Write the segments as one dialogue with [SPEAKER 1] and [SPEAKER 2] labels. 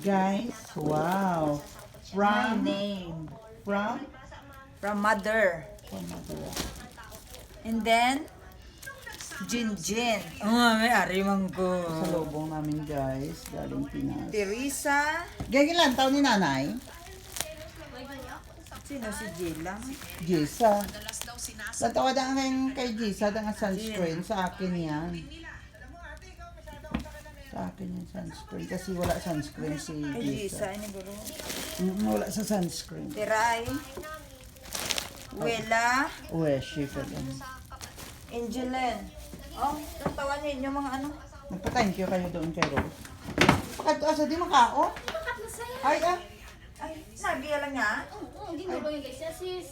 [SPEAKER 1] Guys, wow.
[SPEAKER 2] My name. From mother. And then, Jinjin. May arimang ko.
[SPEAKER 1] Sa lobong namin guys, galing Pinas.
[SPEAKER 2] Teresa.
[SPEAKER 1] Ganyan taon ni nanay?
[SPEAKER 2] Sino si Jela?
[SPEAKER 1] Jisa. Natawa na ngayon kay Jisa, ang sunscreen. Sa akin yan. Sa akin yung sunscreen. Kasi wala sunscreen si
[SPEAKER 2] Ay,
[SPEAKER 1] Jisa.
[SPEAKER 2] Jisa. Ini bro.
[SPEAKER 1] Wala sa sunscreen.
[SPEAKER 2] Teray. Wela.
[SPEAKER 1] Uwe, shifa lang.
[SPEAKER 2] Angeline. Oh, tatawan niyo yung mga ano.
[SPEAKER 1] Nagpa-thank you kayo doon kay Rose. Bakit asa di makao? Ay,
[SPEAKER 2] Ay, nagiya lang niya.
[SPEAKER 3] Hindi mo ba yung guys? Sis.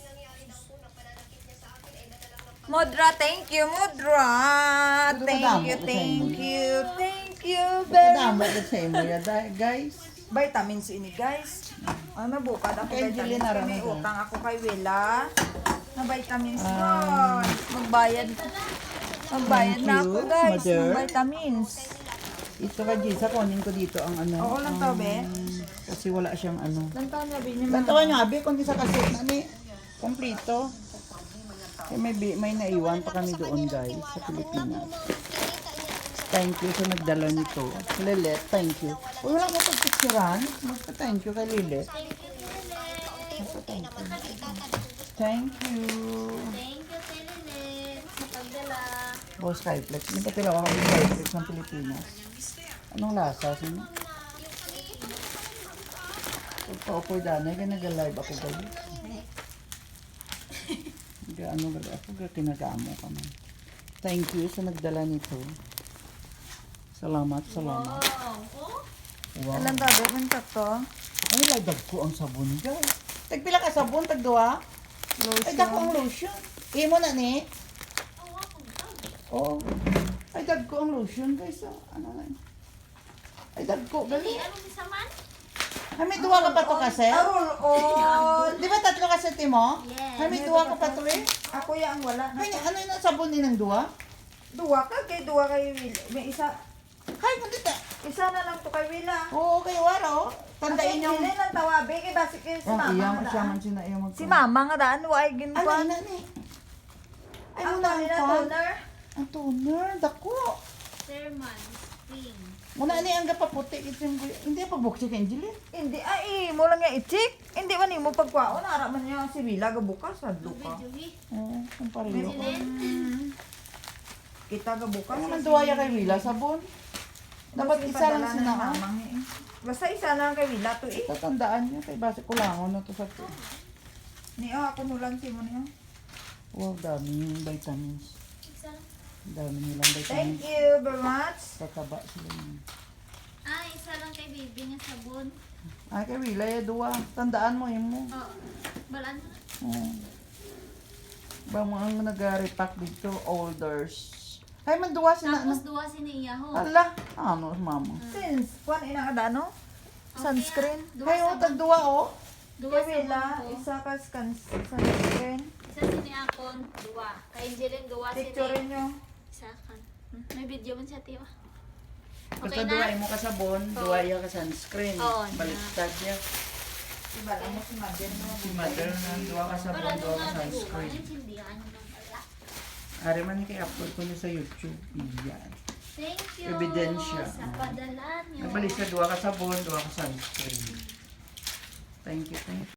[SPEAKER 2] Modra, thank you, Modra.
[SPEAKER 1] Ito
[SPEAKER 2] Thank
[SPEAKER 1] kadamo
[SPEAKER 2] you,
[SPEAKER 1] ko sa
[SPEAKER 2] thank
[SPEAKER 1] inyo.
[SPEAKER 2] you, thank you very
[SPEAKER 1] Kadama
[SPEAKER 2] much.
[SPEAKER 1] ka sa imo ya, guys.
[SPEAKER 2] Vitamins ini, guys. Ay, mabukad ako
[SPEAKER 1] Kay
[SPEAKER 2] vitamins.
[SPEAKER 1] Jelena
[SPEAKER 2] Kaya
[SPEAKER 1] rin
[SPEAKER 2] may
[SPEAKER 1] ito.
[SPEAKER 2] utang ako kay Wela. Na vitamins doon. Magbayad. Magbayad
[SPEAKER 1] Thank
[SPEAKER 2] na
[SPEAKER 1] you,
[SPEAKER 2] ako, guys.
[SPEAKER 1] mother.
[SPEAKER 2] Ng vitamins.
[SPEAKER 1] Ito ka Jisa, kunin ko dito ang ano.
[SPEAKER 2] Oo lang to, be.
[SPEAKER 1] Kasi wala siyang ano.
[SPEAKER 2] Lantaw na, bin yung
[SPEAKER 1] Lantawan nyo, abi, kung di sa kaset na ni, komplito. Eh, may naiwan pa kami doon, guys, sa Pilipinas. Thank you sa nagdala nito. Lilet, thank you. Uy, wala mo pagpicturan. Magpa-thank you kay Lilet. Magpa-thank you. Thank you.
[SPEAKER 3] Thank you, Telenet, sa pagdala.
[SPEAKER 1] Boss Skyflex. May patilaw ako ng Skyflex ng Pilipinas. Anong lasa? Sino? Pagpa-upo dana, nag-live ako guys. Ano ba ako kinagamo ka man. Thank you sa nagdala nito. Salamat. Wow.
[SPEAKER 2] Alam tabi, man to.
[SPEAKER 1] Ay, ladag ko ang sabon guys. Tagpila ka sabon, tagduwa? Ay, dako ang lotion. Imo na ni? Oo. Ay, dag ko ang lotion guys. Oh. Ano na? Ay, dag ko. Gali.
[SPEAKER 3] Ano si Saman?
[SPEAKER 1] Ay, may duwa ka pa to kasi?
[SPEAKER 2] Roll-on.
[SPEAKER 1] Di ba tatlo kasi mo?
[SPEAKER 3] Yes.
[SPEAKER 1] Ay, may duwa ka pa to eh.
[SPEAKER 2] Ako yung wala.
[SPEAKER 1] Ay, ano yung sabon din ng duwa?
[SPEAKER 2] Duwa kay Wila. May isa.
[SPEAKER 1] Ay, kundi ta.
[SPEAKER 2] Isa na lang to kay Wila.
[SPEAKER 1] Oo, kayo waro. Tandain yung...
[SPEAKER 2] Hindi lang tawabi. Kay basi kay si
[SPEAKER 1] Ang
[SPEAKER 2] Mama
[SPEAKER 1] iya,
[SPEAKER 2] nga
[SPEAKER 1] siya
[SPEAKER 2] daan.
[SPEAKER 1] man sina iya mag...
[SPEAKER 2] Si Mama nga daan. Why
[SPEAKER 1] Ano,
[SPEAKER 2] ginkuan?
[SPEAKER 1] ina ni? Ay,
[SPEAKER 2] Ang
[SPEAKER 1] muna
[SPEAKER 2] kanila
[SPEAKER 1] ang
[SPEAKER 2] toner.
[SPEAKER 1] Ang toner, dako.
[SPEAKER 3] Sermon, Spring.
[SPEAKER 1] Muna ni ang gapaputi. Hindi pagbuksi kay Angeline.
[SPEAKER 2] Hindi, ay, mo lang yung i-check. Hindi man mo pagkwaon. Ara man niya si Wila gabukas. Hadlo ka.
[SPEAKER 3] Juhi.
[SPEAKER 1] Oo, ang pariyo.
[SPEAKER 3] Silent.
[SPEAKER 2] Kita gabukas.
[SPEAKER 1] Ano man duwaya kay Wila, sabon? Dapat isa lang
[SPEAKER 2] na
[SPEAKER 1] sinaka.
[SPEAKER 2] mamang eh. Basta isa lang kay Wila to eh.
[SPEAKER 1] Tatandaan niya, kay base kulangon na to sa to.
[SPEAKER 2] Niyo, ako nulan si mo niyo.
[SPEAKER 1] Wow, dami yung vitamins.
[SPEAKER 3] Isa lang.
[SPEAKER 1] Dami nilang
[SPEAKER 2] Thank
[SPEAKER 1] vitamins.
[SPEAKER 2] you very much.
[SPEAKER 1] Tataba sila niya.
[SPEAKER 3] Isa lang kay baby nga sabon.
[SPEAKER 1] Ay, kay Wila, duwa. Tandaan mo, yun mo.
[SPEAKER 3] Oh, balaan mo na.
[SPEAKER 1] Oo. Ba mo ang nag-repack dito, olders. Ay, manduwa sila.
[SPEAKER 3] Tapos duwa si niya ho.
[SPEAKER 1] Ala, ano, mama.
[SPEAKER 2] Since, kuan ina ka ano? Sunscreen.
[SPEAKER 1] Ay, oh, tagduwa, oh.
[SPEAKER 3] Duwa
[SPEAKER 2] Kay
[SPEAKER 3] sa
[SPEAKER 2] Wila,
[SPEAKER 3] ko.
[SPEAKER 2] isa ka sunscreen.
[SPEAKER 3] Isa si ni Akon, duwa. Kay Angeline, duwa si
[SPEAKER 2] Picture
[SPEAKER 3] ni.
[SPEAKER 2] nyo.
[SPEAKER 3] Isa kan. May video man siya, tiwa.
[SPEAKER 1] Basta
[SPEAKER 3] Okay
[SPEAKER 1] duway
[SPEAKER 3] na?
[SPEAKER 1] mo ka sabon, duwaya ka sunscreen.
[SPEAKER 3] Oo, na.
[SPEAKER 1] Baliktad niya.
[SPEAKER 2] Iba lang mo si Mother mo.
[SPEAKER 1] Si mother na duwa ka sabon,
[SPEAKER 3] Wala
[SPEAKER 1] duwa ka
[SPEAKER 3] nung nga duwa.
[SPEAKER 1] sunscreen.
[SPEAKER 3] Intindihan nyo lang pala.
[SPEAKER 1] Ari man kay upload ko niya sa YouTube. Yan.
[SPEAKER 3] Thank you
[SPEAKER 1] Ebidensya.
[SPEAKER 3] sa padala nyo.
[SPEAKER 1] Nagbalik sa duwa ka sabon, duwa ka sunscreen. Thank you, thank you.